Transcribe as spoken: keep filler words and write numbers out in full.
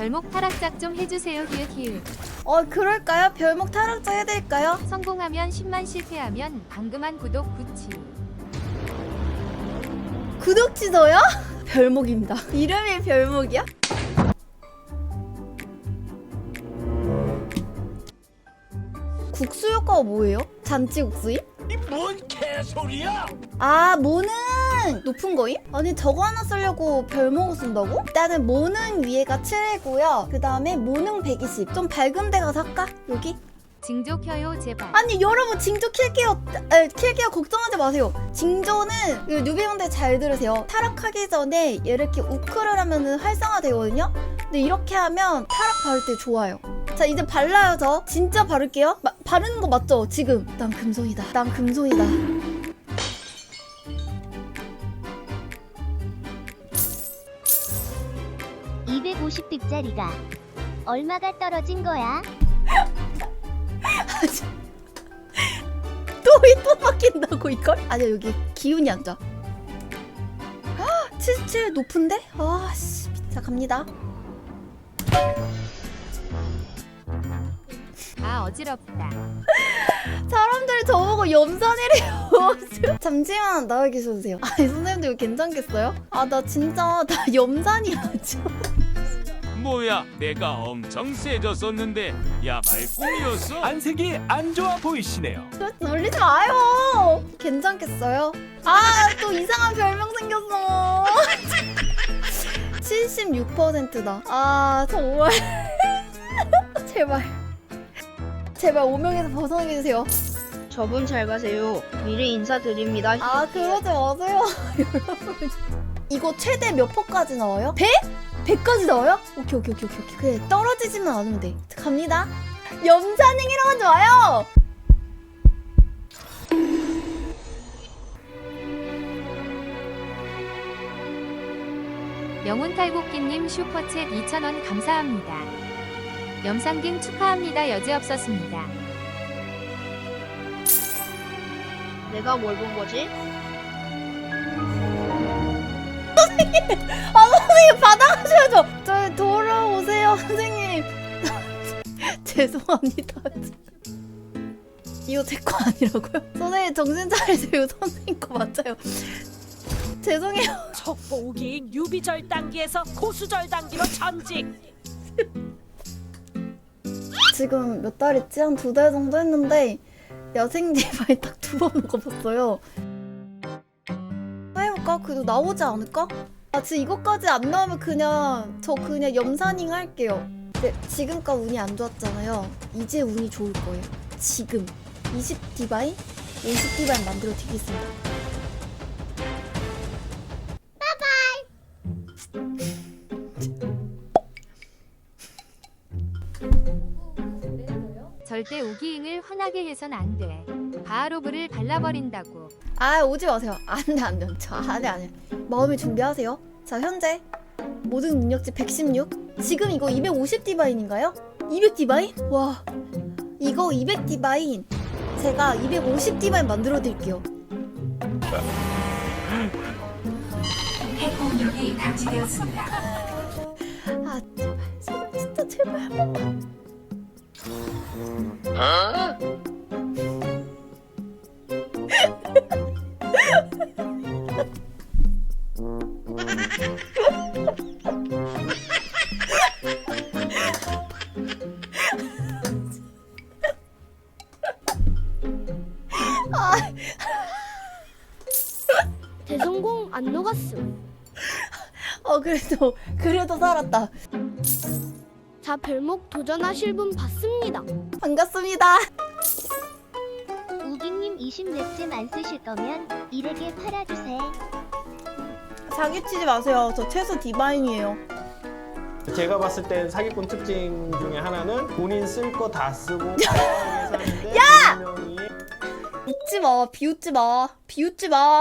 별목 타락작 좀 해주세요. 히읗 히읗. 어 그럴까요? 별목 타락자 해드릴까요? 성공하면 십만, 실패하면 방금한 구독 구치. 구독 취소요? 별목입니다. 이름이 별목이야? 국수 효과가 뭐예요? 잔치국수임? 이 뭔 개소리야? 아 모능 높은 거임? 아니 저거 하나 쓰려고 별목을 쓴다고? 일단은 모능 위에가 칠이고요. 그 다음에 모능 백이십. 좀 밝은 데 가서 할까? 여기? 징조 켜요 제발. 아니 여러분 징조 킬게요. 에, 킬게요. 걱정하지 마세요. 징조는 뉴비분들 잘 들으세요. 타락하기 전에 이렇게 우크를 하면은 활성화되거든요. 근데 이렇게 하면 타락 바를 때 좋아요. 자 이제 발라요. 저 진짜 바를게요. 마, 바르는 거 맞죠? 지금 난 금손이다. 난 금손이다. 이백오십 득짜리가 얼마가 떨어진 거야? 또이 또 바뀐다고 이걸? 아니야 여기 기운이 안 좋아. 칠십칠 높은데? 아씨. 자 갑니다. 아 어지럽다. 사람들이 저보고 염산이래요. 잠시만 나와 계셔주세요. 아니 선생님들 이거 괜찮겠어요? 아 나 진짜 나 염산이야 지금. 뭐야, 내가 엄청 세졌었는데 야말 꿈이었어? 안색이 안 좋아 보이시네요. 놀리지 마요. 괜찮겠어요? 아 또 이상한 별명 생겼어. 칠십육 퍼센트다. 아 정말. 제발 제발 오명에서 벗어나게 해주세요. 저분 잘 가세요. 미리 인사드립니다. 아 그러지 마세요. 여러분 이거 최대 몇 퍼까지 나와요? 백? 백까지 나와요? 오케이 오케이 오케이 오케이 그래 떨어지지만 않으면 돼. 갑니다. 염산행이라고 하지 마요. 영훈탈곡기님 슈퍼챗 이천 원 감사합니다. 염상갱 축하합니다. 여지없었습니다. 내가 뭘 본 거지? 아 선생님 받아가셔야죠. 저 돌아오세요 선생님. 죄송합니다. 이거 제 거 아니라고요? 선생님 정신 차리세요. 선생님 거 맞아요. 죄송해요. 첩보기 뉴비절 단계에서 고수절 단계로 전직. 지금 몇 달 있지? 한 두 달 정도 했는데 야생 디바이 딱 두 번 먹어봤어요. 해볼까? 그래도 나오지 않을까? 아 지금 이것까지 안 나오면 그냥 저 그냥 염사닝 할게요. 근데 지금까지 운이 안 좋았잖아요. 이제 운이 좋을 거예요. 지금 이십 디바인, 오십 디바인 만들어 드리겠습니다. 절대 우기잉을 화나게 해선 안 돼. 바하로브를 발라버린다고. 아 오지 마세요. 안돼 안돼 저 안돼 안돼. 마음의 준비하세요. 자 현재 모든 능력치 백십육. 지금 이거 이백오십 디바인인가요? 이백 디바인? 와 이거 이백 디바인 제가 이백오십 디바인 만들어 드릴게요. 핵공격이 감지되었습니다. 아 제발 제발 진짜 제발 한 번만. 대성공 안 녹았음. 어 그래도 그래도 살았다. 자 별목 도전하실 분 봤습니다. 반갑습니다. 우기님 이십 렙잼 안 쓰실 거면 일에게 팔아주세요. 사기 치지 마세요. 저 최소 디바인이에요. 제가 봤을 땐 사기꾼 특징 중에 하나는 본인 쓸 거 다 쓰고 야! 웃지 마. 비웃지 마. 비웃지 마.